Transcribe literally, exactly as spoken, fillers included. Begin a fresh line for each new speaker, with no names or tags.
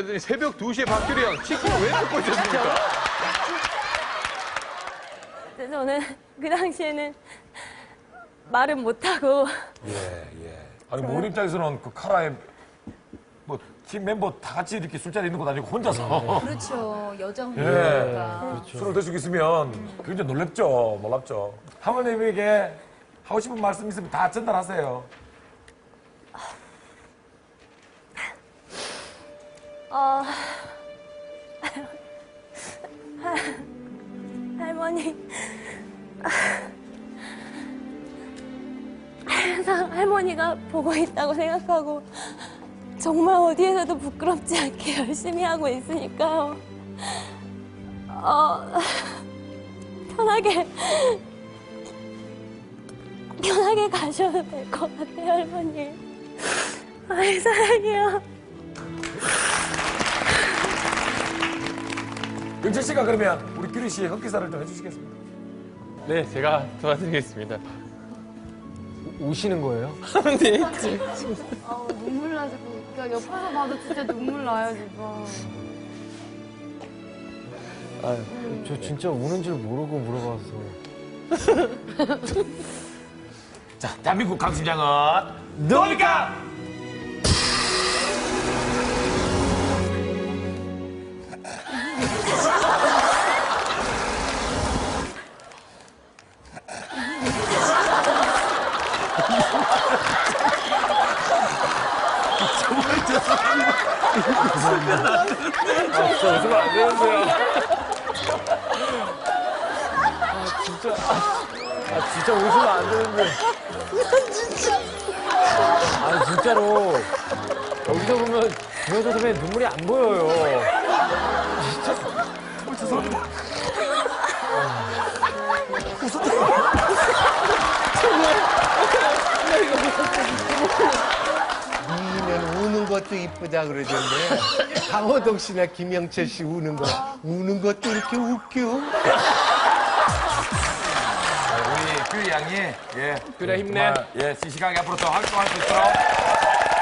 그랬더니 새벽 두 시에 박규리 형 치킨을 왜 먹고 있었습니까?
저는 그 당시에는 말은 못하고.
예, 예. 아니, 모른 입장에서는 그 카라에 뭐, 팀 멤버 다 같이 이렇게 술자리 있는 거 아니고 혼자서.
그렇죠. 여정이니까.
예. 술을 드시고 있으면 굉장히 놀랍죠. 놀랍죠. 하모님에게 하고 싶은 말씀 있으면 다 전달하세요.
어, 할머니, 항상 할머니가 보고 있다고 생각하고 정말 어디에서도 부끄럽지 않게 열심히 하고 있으니까요. 어, 편하게, 편하게 가셔도 될 것 같아요, 할머니. 아이, 사랑해요.
영철 씨가 그러면 우리 규리 씨의 흑기사를 좀 해주시겠습니까?
네, 제가 도와드리겠습니다.
우시는 거예요?
네.
아우, 눈물 나서 그러니까 옆에서 봐도 진짜 눈물 나요, 지금.
아, 저 진짜 우는 줄 모르고 물어봐서.
자, 대한민국 강심장은 누굽니까?
아, 진짜 웃으면 안 되는데요.
아, 진짜. 아, 진짜 웃으면 안 되는데. 진짜. 아, 진짜로. 여기서 보면 김현철 선배 눈물이 안 보여요.
진짜. 죄송합니다.
웃으면 우는 것도 이쁘다 그러던데 강호동 씨나 김영철 씨 우는 거 우는 것도 이렇게 웃겨?
우리 규리 양이 예
규리야, 힘내.
정말, 예 싱싱하게 앞으로 더 활동할 수 있도록